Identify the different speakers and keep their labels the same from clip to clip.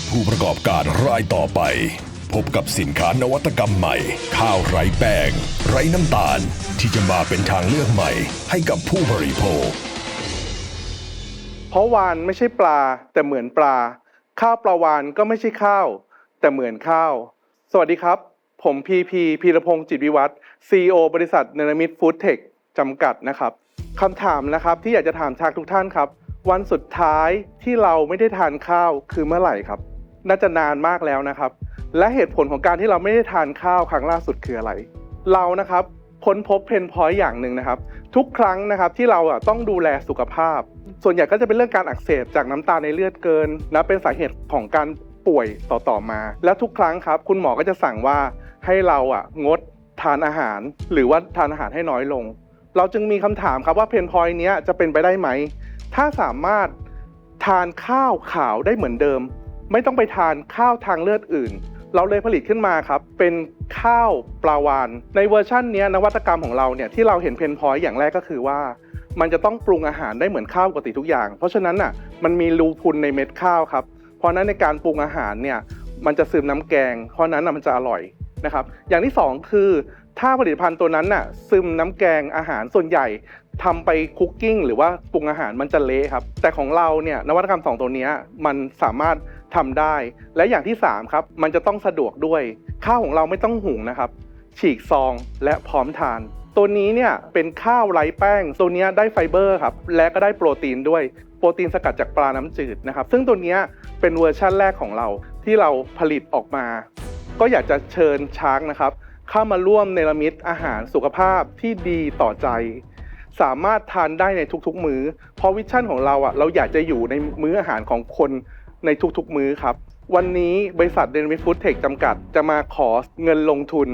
Speaker 1: ผู้ประกอบการรายต่อไปพบกับสินค้านวัตกรรมใหม่ข้าวไร้แป้งไร้น้ำตาลที่จะมาเป็นทางเลือกใหม่ให้กับผู้บริโภค
Speaker 2: เพราะวานไม่ใช่ปลาแต่เหมือนปลาข้าวปลาวานก็ไม่ใช่ข้าวแต่เหมือนข้าวสวัสดีครับผมพีรพงษ์จิตวิวัฒน์ CEO บริษัทเนรมิตฟู้ดเทคจำกัดนะครับคำถามนะครับที่อยากจะถามชาทุกท่านครับวันสุดท้ายที่เราไม่ได้ทานข้าวคือเมื่อไหร่ครับน่าจะนานมากแล้วนะครับและเหตุผลของการที่เราไม่ได้ทานข้าวครั้งล่าสุดคืออะไรเรานะครับค้นพบเพนพอยต์อย่างหนึ่งนะครับทุกครั้งนะครับที่เราต้องดูแลสุขภาพส่วนใหญ่ก็จะเป็นเรื่องการอักเสบจากน้ำตาลในเลือดเกินและเป็นสาเหตุของการป่วยต่อมาและทุกครั้งครับคุณหมอก็จะสั่งว่าให้เรางดทานอาหารหรือว่าทานอาหารให้น้อยลงเราจึงมีคำถามครับว่าเพนพอยต์นี้จะเป็นไปได้ไหมถ้าสามารถทานข้าวขาวได้เหมือนเดิมไม่ต้องไปทานข้าวทางเลือดอื่นเราเลยผลิตขึ้นมาครับเป็นข้าวปลาวาฬในเวอร์ชันนี้นวัตกรรมของเราเนี่ยที่เราเห็นเพนพอยต์อย่างแรกก็คือว่ามันจะต้องปรุงอาหารได้เหมือนข้าวปกติทุกอย่างเพราะฉะนั้นมันมีรูพุนในเม็ดข้าวครับเพราะนั้นในการปรุงอาหารเนี่ยมันจะซึมน้ำแกงเพราะนั้นมันจะอร่อยนะครับอย่างที่2คือถ้าผลิตภัณฑ์ตัวนั้นซึมน้ำแกงอาหารส่วนใหญ่ทำไปคุกกิ้งหรือว่าปรุงอาหารมันจะเละครับแต่ของเราเนี่ยนวัตกรรม2ตัวนี้มันสามารถทำได้และอย่างที่3ครับมันจะต้องสะดวกด้วยข้าวของเราไม่ต้องหุงนะครับฉีกซองและพร้อมทานตัวนี้เนี่ยเป็นข้าวไร้แป้งตัวนี้ได้ไฟเบอร์ครับและก็ได้โปรตีนด้วยโปรตีนสกัดจากปลาน้ำจืดนะครับซึ่งตัวนี้เป็นเวอร์ชั่นแรกของเราที่เราผลิตออกมาก็อยากจะเชิญช้างนะครับเข้ามาร่วมเนรมิตอาหารสุขภาพที่ดีต่อใจสามารถทานได้ในทุกๆมื้อเพราะวิชั่นของเราเราอยากจะอยู่ในมื้ออาหารของคนในทุกๆมื้อครับวันนี้บริษัทเดนมิทฟู้ดเทคจำกัดจะมาขอเงินลงทุน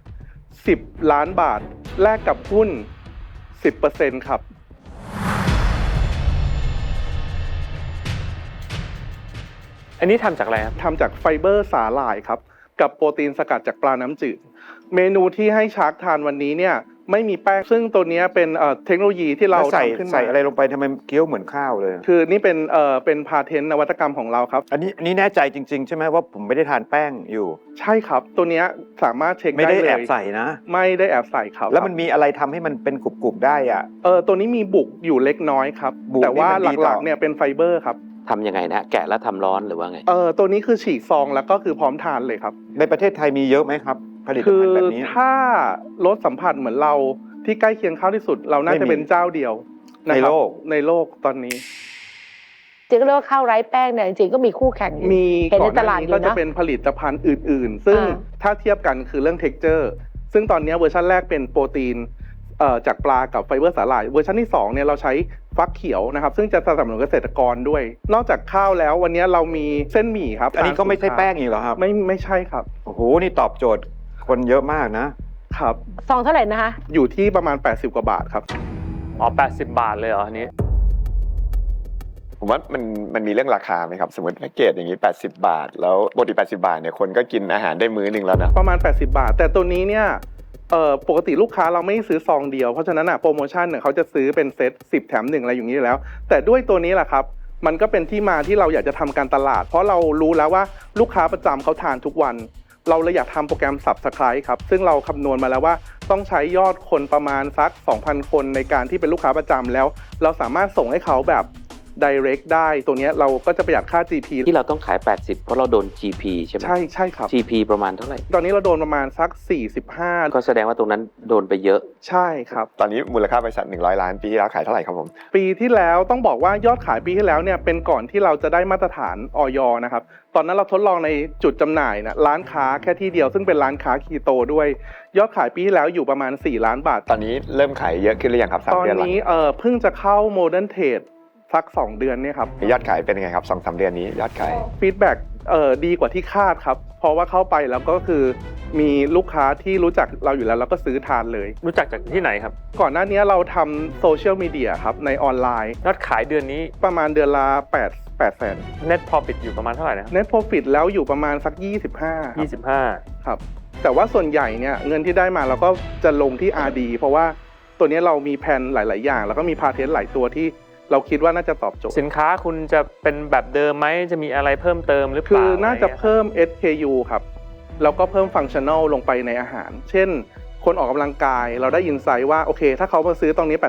Speaker 2: 10 ล้านบาทแลกกับหุ้น 10% ครับ
Speaker 3: อันนี้ทำจากอะไรครับ
Speaker 2: ทำจากไฟเบอร์สาหร่ายครับกับโปรตีนสกัดจากปลาน้ำจืดเมนูที่ให้ชาร์กทานวันนี้เนี่ยไม่มีแป้งซึ่งตัวนี้เป็นเทคโนโลยีที่เราทำขึ้นมา
Speaker 4: ใส่อะไรลงไปทำไมเคี้ยวเหมือนข้าวเลย
Speaker 2: คือนี่เป็นพาเทนต์นวัตกรรมของเราครับ
Speaker 4: อันนี้แน่ใจจริงๆใช่ไหมว่าผมไม่ได้ทานแป้งอยู่
Speaker 2: ใช่ครับตัวนี้สามารถเช็คได้เลย
Speaker 4: ไม่ได้แอบใส่นะ
Speaker 2: ไม่ได้แอบใส่ครับ
Speaker 4: แล้วมันมีอะไรทำให้มันเป็นกรุบๆได้
Speaker 2: ตัวนี้มีบุกอยู่เล็กน้อยครับแต่ว่าหลักๆเนี่ยเป็นไฟเบอร์ครับ
Speaker 5: ทำยังไงนะแกะแล้วทำร้อนหรือว่าไง
Speaker 2: ตัวนี้คือฉีกซองแล้วก็คือพร้อมทานเลยครับ
Speaker 4: ในประเทศไทยมีเยอะไหมครับผลิตภัณฑ์แบบนี้
Speaker 2: ถ้ารสสัมผัสเหมือนเราที่ใกล้เคียงข้าวที่สุดเราน่าจะเป็นเจ้าเดียว
Speaker 4: ในโลก
Speaker 2: ตอนนี้
Speaker 6: จริงๆเรียกว่าข้าวไร้แป้งเนี่ยจริงๆก็มีคู่แข่งอยู่
Speaker 2: มี
Speaker 6: เห็นในตลาดอยู่นะ
Speaker 2: ก็จะเป็นผลิตภัณฑ์อื่นๆซึ่งถ้าเทียบกันคือเรื่อง texture ซึ่งตอนนี้เวอร์ชันแรกเป็นโปรตีนจากปลากับไฟเบอร์สาหร่ายเวอร์ชันที่2เนี่ยเราใช้ฟักเขียวนะครับซึ่งจะสนับสนุนเกษตรกรด้วยนอกจากข้าวแล้ววันนี้เรามีเส้นหมี่ครับ
Speaker 4: อันนี้ก็ไม่ใช่แป้งอีกเหรอครับ
Speaker 2: ไม่ใช่ครับ
Speaker 4: โอ้โหนี่ตอบโจทย์คนเยอะมากนะครับ
Speaker 6: ซองเท่าไหร่นะคะ
Speaker 2: อยู่ที่ประมาณ80 กว่าบาทครับ
Speaker 3: 80 บาทเลยเหรออันนี้
Speaker 7: ผมว่ามันมีเรื่องราคาไหมครับสมมติแพ็กเกจอย่างนี้80 บาทแล้วปกติ80 บาทเนี่ยคนก็กินอาหารได้มื้อนึงแล้วนะ
Speaker 2: ประมาณ80 บาทแต่ตัวนี้เนี่ยปกติลูกค้าเราไม่ซื้อซองเดียวเพราะฉะนั้นโปรโมชั่นเนี่ยเขาจะซื้อเป็นเซต10 แถม 1อะไรอย่างนี้แล้วแต่ด้วยตัวนี้แหละครับมันก็เป็นที่มาที่เราอยากจะทำการตลาดเพราะเรารู้แล้วว่าลูกค้าประจำเขาทานทุกวันเราเลยอยากทำโปรแกรม Subscribe ครับซึ่งเราคำนวณมาแล้วว่าต้องใช้ยอดคนประมาณสัก 2,000 คนในการที่เป็นลูกค้าประจำแล้วเราสามารถส่งให้เขาแบบ direct ได้ตัวนี้เราก็จะประหยัดค่า GP
Speaker 5: ที่เราต้องขาย80เพราะเราโดน GP ใช่ไหม
Speaker 2: ใช่ครับ
Speaker 5: GP ประมาณเท่าไหร่
Speaker 2: ตอนนี้เราโดนประมาณสัก45
Speaker 5: ก็แสดงว่าตรงนั้นโดนไปเยอะ
Speaker 2: ใช่ครับ
Speaker 7: ตอนนี้มูลค่าบริษัท100 ล้านปีที่แล้วขายเท่าไหร่ครับผม
Speaker 2: ปีที่แล้วต้องบอกว่ายอดขายปีที่แล้วเนี่ยเป็นก่อนที่เราจะได้มาตรฐานอย.นะครับตอนนั้นเราทดลองในจุดจำหน่ายร้านค้าแค่ที่เดียวซึ่งเป็นร้านค้าคีโตด้วยยอดขายปีที่แล้วอยู่ประมาณ4 ล้านบาท
Speaker 7: ตอนนี้เริ่มขายเยอะขึ้นหรือยังครับ3 เดือน
Speaker 2: ตอนนี้เพิ่งจะเข้าโมเดิร์นเทรดสัก2 เดือนเนี่ยครับ
Speaker 7: ยอดขายเป็นยังไงครับ 2-3 เดือนนี้ยอดขาย
Speaker 2: ฟีดแบ็กดีกว่าที่คาดครับเพราะว่าเข้าไปแล้วก็คือมีลูกค้าที่รู้จักเราอยู่แล้วก็ซื้อทานเลย
Speaker 3: รู้จักจากที่ไหนครับ
Speaker 2: ก่อนหน้านี้เราทำโซเชียลมีเดียครับในออนไลน์
Speaker 3: ยอดขายเดือนนี้
Speaker 2: ประมาณเดือนละ8 แสน
Speaker 3: Net Profit อยู่ประมาณเท่าไหร่นะ
Speaker 2: Net Profit แล้วอยู่ประมาณสัก25ครับแต่ว่าส่วนใหญ่เนี่ยเงินที่ได้มาเราก็จะลงที่ R&D เพราะว่าตัวนี้เรามีแผนหลายๆอย่างแล้วก็มีพาเทนต์หลายตัวที่เราคิดว่าน่าจะตอบโจทย์
Speaker 3: สินค้าคุณจะเป็นแบบเดิมไหมจะมีอะไรเพิ่มเติมหรือเป
Speaker 2: คื
Speaker 3: ล่า
Speaker 2: อน่าจะ
Speaker 3: อไรงี้ย
Speaker 2: เพิ่ม SKU ครับแล้วก็เพิ่มฟังก์ชันแนลลงไปในอาหาร เช่น คนออกกำลังกายเราได้อินไซต์ว่าโอเคถ้าเขามาซื้อตรงนี้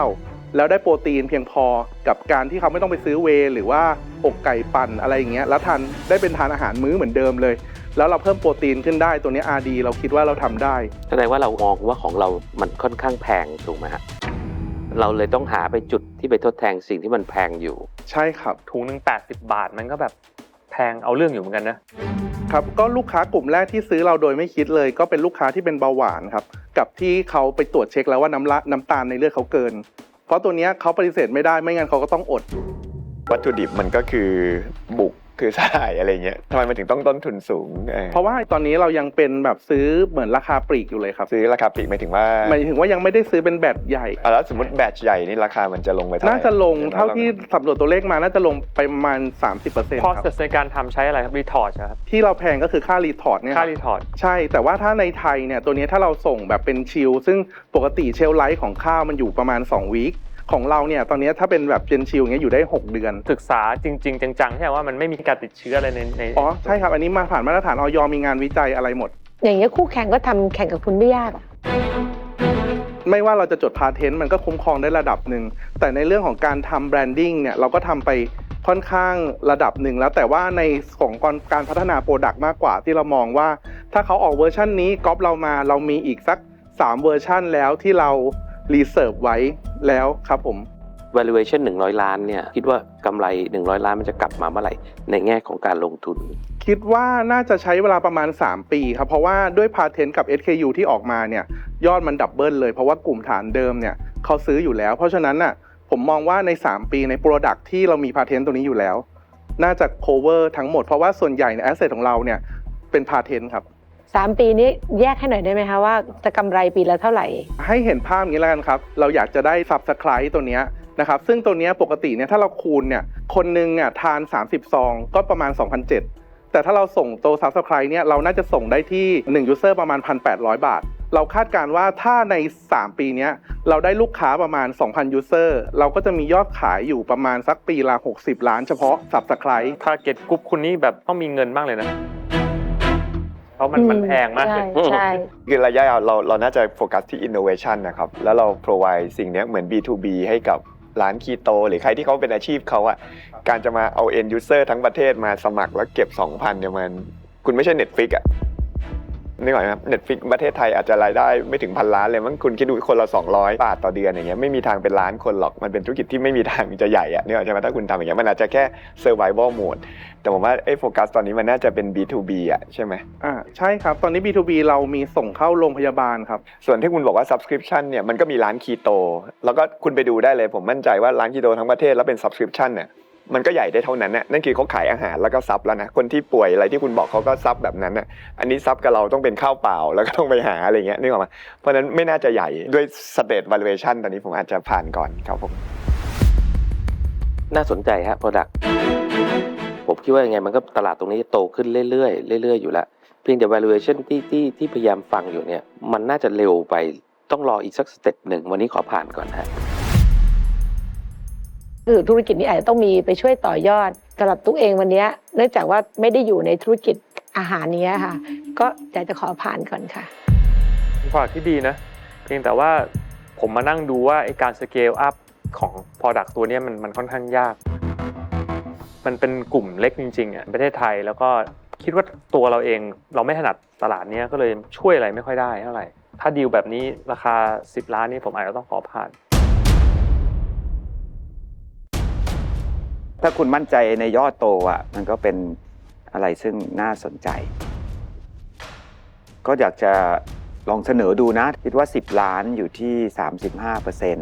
Speaker 2: 89แล้วได้โปรตีนเพียงพอกับการที่เขาไม่ต้องไปซื้อเวย์หรือว่าอกไก่ปั่นอะไรอย่างเงี้ยแล้วทานได้เป็นทานอาหารมื้อเหมือนเดิมเลย แล้วเราเพิ่มโปรตีนขึ้นได้ตัวนี้ RD เราคิดว่าเราทำได้
Speaker 5: แสดงว่าเรามองว่าของเรามันค่อนข้างแพงถูกไหมฮะเราเลยต้องหาไปจุดที่ไปทดแทนสิ่งที่มันแพงอยู่
Speaker 2: ใช่ครับ
Speaker 3: ถุงหนึ่ง80 บาทมันก็แบบแพงเอาเรื่องอยู่เหมือนกันนะครับ
Speaker 2: ก็ลูกค้ากลุ่มแรกที่ซื้อเราโดยไม่คิดเลย ก็เป็นลูกค้าที่เป็นเบาหวานครับกับที่เขาไปตรวจเช็คแล้วว่าน้ำตาลในเลือดเขาเกิน เพราะตัวเนี้ยเขาปฏิเสธไม่ได้ไม่งั้นเขาก็ต้องอด
Speaker 7: วัตถุดิบมันก็คือบุกคือสลายอะไรเงี้ยทำไมมันถึงต้องต้นทุนสูง
Speaker 2: เพราะว่าตอนนี้เรายังเป็นแบบซื้อเหมือนราคาปลีกอยู่เลยครับ
Speaker 7: ซื้อราคาปลีกหมายถึงว่า
Speaker 2: หมายถึงว่ายังไม่ได้ซื้อเป็นแบตใหญ่
Speaker 7: แล้วสมมติแบตใหญ่นี่ราคามันจะลงไปเท่าไหร่
Speaker 2: น่าจะลงเท่าที่สำรวจตัวเลขมาน่าจะลงไปประมาณ 30%
Speaker 3: พอ
Speaker 2: ครับ
Speaker 3: สในการทำใช้อะไรครับรีทอร์ชครับ
Speaker 2: ที่เราแพงก็คือค่ารีทอร์ดเนี่ย
Speaker 3: ค่า
Speaker 2: ครับ
Speaker 3: รีทอร์ช
Speaker 2: ใช่แต่ว่าถ้าในไทยเนี่ยตัวนี้ถ้าเราส่งแบบเป็นชิลซึ่งปกติเชลไลท์ของข้าวมันอยู่ประมาณ2 วีคของเราเนี่ยตอนนี้ถ้าเป็นแบบเจนชิลเงี้ยอยู่ได้6 เดือน
Speaker 3: ศึกษาจริงๆจังๆใช่ไหมว่ามันไม่มีการติดเชื้ออะไรใน
Speaker 2: อ๋อใช่ครับอันนี้มาผ่านมาตรฐานอย.มีงานวิจัยอะไรหมด
Speaker 6: อย่างเงี้ยคู่แข่งก็ทำแข่งกับคุณไม่ยากอะ
Speaker 2: ไม่ว่าเราจะจดพาเทนต์มันก็คุ้มครองได้ระดับหนึ่งแต่ในเรื่องของการทำแบรนดิ้งเนี่ยเราก็ทำไปค่อนข้างระดับหนึ่งแล้วแต่ว่าในของการพัฒนาโปรดักต์มากกว่าที่เรามองว่าถ้าเขาออกเวอร์ชันนี้ก๊อปเรามาเรามีอีกสัก3เวอร์ชันแล้วที่เรารีเซิร์ฟไว้แล้วครับผม
Speaker 5: valuation 100 ล้านเนี่ยคิดว่ากำไร100 ล้านมันจะกลับมาเมื่อไหร่ในแง่ของการลงทุน
Speaker 2: คิดว่าน่าจะใช้เวลาประมาณ3 ปีครับเพราะว่าด้วยพาเทนต์กับ SKU ที่ออกมาเนี่ยยอดมันดับเบิลเลยเพราะว่ากลุ่มฐานเดิมเนี่ยเขาซื้ออยู่แล้วเพราะฉะนั้นน่ะผมมองว่าใน3 ปีในโปรดักที่เรามีพาเทนต์ตัวนี้อยู่แล้วน่าจะ cover ทั้งหมดเพราะว่าส่วนใหญ่ใน asset ของเราเนี่ยเป็นพาเทนต์ครับ
Speaker 6: 3 ปีนี้แยกให้หน่อยได้ไหมคะว่าจะกำไรปีละเท่าไหร่
Speaker 2: ให้เห็นภาพอย่างนี้แล้วกันครับเราอยากจะได้ Subscribe ตัวเนี้ยนะครับซึ่งตัวเนี้ยปกติเนี่ยถ้าเราคูณเนี่ยคนนึงเนี่ยทาน30 ซองก็ประมาณ 2,700 แต่ถ้าเราส่งตัว Subscribe เนี่ยเราน่าจะส่งได้ที่1 user ประมาณ 1,800 บาทเราคาดการณ์ว่าถ้าใน3 ปีเนี้ยเราได้ลูกค้าประมาณ 2,000 user เราก็จะมียอดขายอยู่ประมาณสักปีละ60 ล้านเฉพาะ Subscribe
Speaker 3: ทาร์เก็ตกลุ่มคุณนี่แบบต้องมีเงินมากเลยนะเพราะมันแพงมากเลย
Speaker 6: ใช่
Speaker 7: คือระยะยาวเราน่าจะโฟกัสที่ innovation นะครับแล้วเรา provide สิ่งเนี้ยเหมือน B2B ให้กับร้านคีโตหรือใครที่เขาเป็นอาชีพเขาอะการจะมาเอา end user ทั้งประเทศมาสมัครแล้วเก็บ 2,000 เนี่ยมันคุณไม่ใช่ Netflix อะนึกออกไหมครับ Netflix ประเทศไทยอาจจะรายได้ไม่ถึง1,000 ล้านเลยมั้งคุณคิดดูคนละ200 บาทต่อเดือนอย่างเงี้ยไม่มีทางเป็นล้านคนหรอกมันเป็นธุรกิจที่ไม่มีทางจะใหญ่อะนึกออกใช่ไหมถ้าคุณทำอย่างเงี้ยมันอาจจะแค่ survival mode แต่ผมว่าโฟกัสตอนนี้มันน่าจะเป็น B2B อะใช่ไหม
Speaker 2: ใช่ครับตอนนี้ B2B เรามีส่งเข้าโรงพยาบาลครับ
Speaker 7: ส่วนที่คุณบอกว่า subscription เนี่ยมันก็มีร้านคีโตแล้วก็คุณไปดูได้เลยผมมั่นใจว่าร้านคีโตทั้งประเทศแล้วเป็น subscription เนี่ยมันก็ใหญ่ได้เท่านั้นน่ะนั่นคือเขาขายอาหารแล้วก็ซับแล้วนะคนที่ป่วยอะไรที่คุณบอกเขาก็ซับแบบนั้นน่ะอันนี้ซับกับเราต้องเป็นข้าวเปล่าแล้วก็ต้องไปหาอะไรเงี้ยนึกออกมั้ยเพราะฉะนั้นไม่น่าจะใหญ่ด้วย state valuation ตอนนี้ผมอาจจะผ่านก่อนครับผม
Speaker 5: น่าสนใจฮะ product ผมคิดว่ายังไงมันก็ตลาดตรงนี้จะโตขึ้นเรื่อยๆเรื่อยๆอยู่แล้วเพียงแต่ valuation ที่พยายามฟังอยู่เนี่ยมันน่าจะเร็วไปต้องรออีกสักสเต็ปหนึ่งวันนี้ขอผ่านก่อนฮะ
Speaker 6: คือธุรกิจนี้อาจจะต้องมีไปช่วยต่อยอดสำหรับตุ๊กเองวันนี้เนื่องจากว่าไม่ได้อยู่ในธุรกิจอาหารนี้ค่ะก็อยากจะขอผ่านก่อนค่ะ
Speaker 3: เป็นผลิตที่ดีนะเพียงแต่ว่าผมมานั่งดูว่าไอ้การสเกลอัพของ product ตัวนี้มันค่อนข้างยากมันเป็นกลุ่มเล็กจริงๆอ่ะประเทศไทยแล้วก็คิดว่าตัวเราเองเราไม่ถนัดตลาดนี้ก็เลยช่วยอะไรไม่ค่อยได้เท่าไหร่ถ้าดีลแบบนี้ราคา10 ล้านนี่ผมอาจจะต้องขอผ่าน
Speaker 4: ถ้าคุณมั่นใจในยอดโตอ่ะมันก็เป็นอะไรซึ่งน่าสนใจก็อยากจะลองเสนอดูนะคิดว่า10 ล้านอยู่ที่ 35%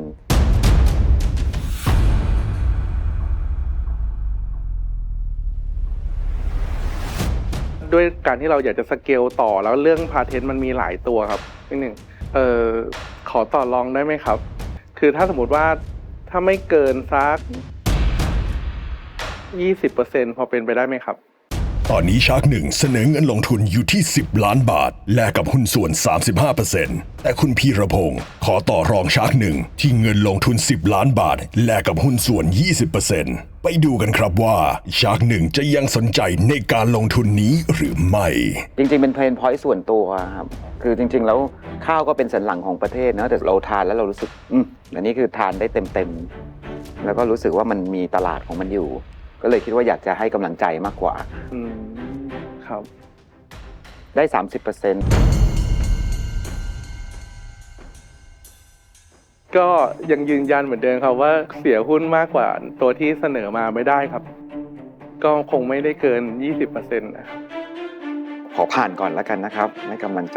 Speaker 2: ด้วยการที่เราอยากจะสเกลต่อแล้วเรื่องพาเทนต์มันมีหลายตัวครับนิดหนึ่งขอต่อรองได้ไหมครับคือถ้าสมมติว่าถ้าไม่เกินสัก 20% พอเป็นไปได้ไหมครับ
Speaker 1: ตอนนี้ชาร์กหนึ่งเสนอเงินลงทุนอยู่ที่ 10 ล้านบาทแลกกับหุ้นส่วน 35%แต่คุณพีรพงศ์ขอต่อรองชาร์กหนึ่งที่เงินลงทุน 10 ล้านบาทแลกกับหุ้นส่วน 20%ไปดูกันครับว่าชาร์กหนึ่งจะยังสนใจในการลงทุนนี้หรือไม่
Speaker 4: จริงๆเป็นเพนพอยต์ส่วนตัวครับคือจริงๆแล้วข้าวก็เป็นสันหลังของประเทศนะแต่เราทานแล้วเรารู้สึกอันนี้คือทานได้เต็มๆแล้วก็รู้สึกว่ามันมีตลาดของมันอยู่ ก็เลยคิดว่าอยากจะให้กำลังใจมากกว่า
Speaker 2: ครับ
Speaker 4: ได้ 30%
Speaker 2: ก็ยังยืนยันเหมือนเดิมครับว่าเสียหุ้นมากกว่าตัวที่เสนอมาไม่ได้ครับ ก็คงไม่ได้เกิน 20%นะครับ
Speaker 4: ขอผ่านก่อนแล้วกันนะครับให้กำลังใจ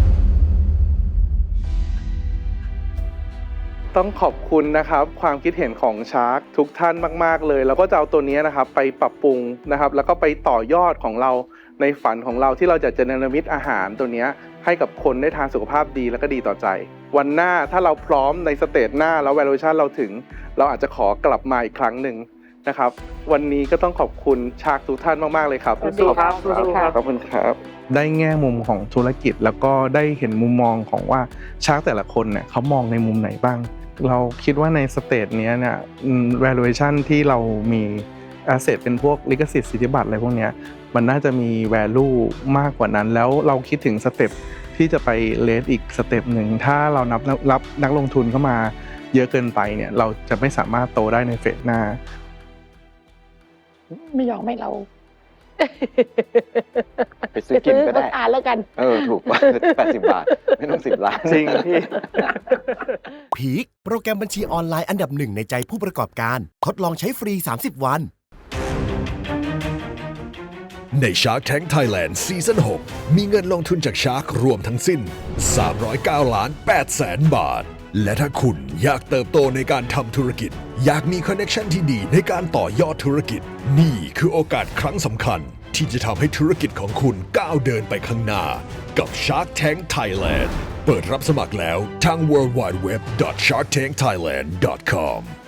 Speaker 2: ต้องขอบคุณนะครับความคิดเห็นของชาร์กทุกท่านมากๆเลยแล้วก็จะเอาตัวนี้นะครับไปปรับปรุงนะครับแล้วก็ไปต่อยอดของเราในฝันของเราที่เราจะเนรมิตอาหารตัวนี้ให้กับคนได้ทานสุขภาพดีแล้วก็ดีต่อใจ วันหน้าถ้าเราพร้อมในสเตจหน้าแล้ว valuation เราถึงเราอาจจะขอกลับมาอีกครั้งหนึ่งนะครับวันนี้ก็ต้องขอบคุณชาร์กทุกท่านมากๆเลยครับ
Speaker 6: สวัสดีครับ
Speaker 2: ขอบคุณครับได้แง่มุมของธุรกิจแล้วก็ได้เห็นมุมมองของว่าชาร์กแต่ละคนเนี่ยเขามองในมุมไหนบ้างเราคิดว่าในสเตจนี้เนี่ย valuation ที่เรามี asset เป็นพวกลิขสิทธิ์สิทธิบัตรอะไรพวกเนี้ยมันน่าจะมี value มากกว่านั้นแล้วเราคิดถึงสเต็ปที่จะไปเลสอีกสเต็ปหนึ่งถ้าเรารับนักลงทุนเข้ามาเยอะเกินไปเนี่ยเราจะไม่สามารถโตได้ในเฟสหน้า
Speaker 6: ไม่ยอมให้เรา
Speaker 4: ไปซื้อกินก็ได้
Speaker 6: ทานแล้วกัน
Speaker 4: ถูกกว่า80 บาท ไม่ต้อง10 ล้าน
Speaker 2: จริงพี่
Speaker 8: พีคโปรแกรมบัญชีออนไลน์อันดับหนึ่งในใจผู้ประกอบการทดลองใช้ฟรี 30 วัน
Speaker 1: ใน Shark Tank Thailand ซีซั่น 6 มีเงินลงทุนจาก Shark รวมทั้งสิ้น 309,800,000 บาท และถ้าคุณอยากเติบโตในการทำธุรกิจ อยากมีคอนเนคชันที่ดีในการต่อยอดธุรกิจ นี่คือโอกาสครั้งสำคัญ ที่จะทำให้ธุรกิจของคุณก้าวเดินไปข้างหน้า กับ Shark Tank Thailand เปิดรับสมัครแล้วทาง worldwideweb.sharktankthailand.com